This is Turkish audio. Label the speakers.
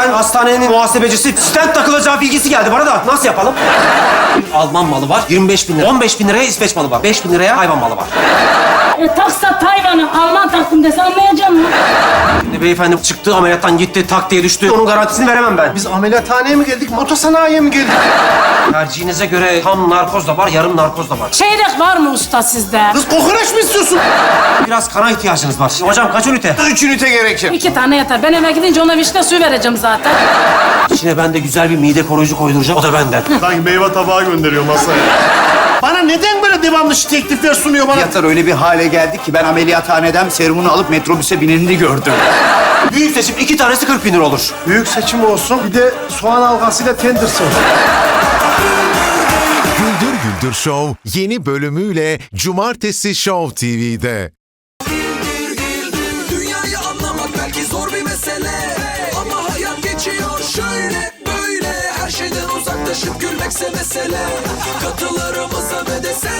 Speaker 1: Ben hastanenin muhasebecisi. Stent takılacağı bilgisi geldi bana da. Nasıl yapalım? Alman malı var. 25 bin lira. 15 bin liraya İsveç malı var. 5 bin liraya hayvan malı var.
Speaker 2: Taksa Tayvan'ı Alman taktım dese anlayacağım mı?
Speaker 1: Şimdi beyefendi çıktı, ameliyattan gitti, tak diye düştü. Onun garantisini veremem ben.
Speaker 3: Biz ameliyathaneye mi geldik, motosanayiye mi geldik?
Speaker 1: Tercihinize göre tam narkoz da var, yarım narkoz da var.
Speaker 2: Çeyrek var mı usta sizde?
Speaker 3: Kız kokoreç mi istiyorsun?
Speaker 1: Biraz kana ihtiyacınız var. Hocam kaç ünite?
Speaker 3: 3 ünite gerekir.
Speaker 2: 2 tane yeter. Ben eve gidince ona vişne suyu vereceğim zaten.
Speaker 1: İçine ben de güzel bir mide koruyucu koyduracağım. O da benden.
Speaker 3: Sanki meyve tabağı gönderiyor masaya. Bana neden böyle devamlı teklifler sunuyor bana?
Speaker 4: Fiyatlar öyle bir hale geldi ki ben ameliyathaneden serumunu alıp metrobüse binenini gördüm.
Speaker 1: Büyük seçim 2 tanesi 40 bin lira olur.
Speaker 3: Büyük seçim olsun. Bir de soğan halkasıyla tenderson.
Speaker 5: Güldür Güldür Show yeni bölümüyle Cumartesi Show TV'de.
Speaker 6: Dünyayı anlamak belki zor bir mesele, ama hayat geçiyor şöyle böyle. Her şeyden uzaklaşıp gülmekse mesele. Katılarımıza ve de sen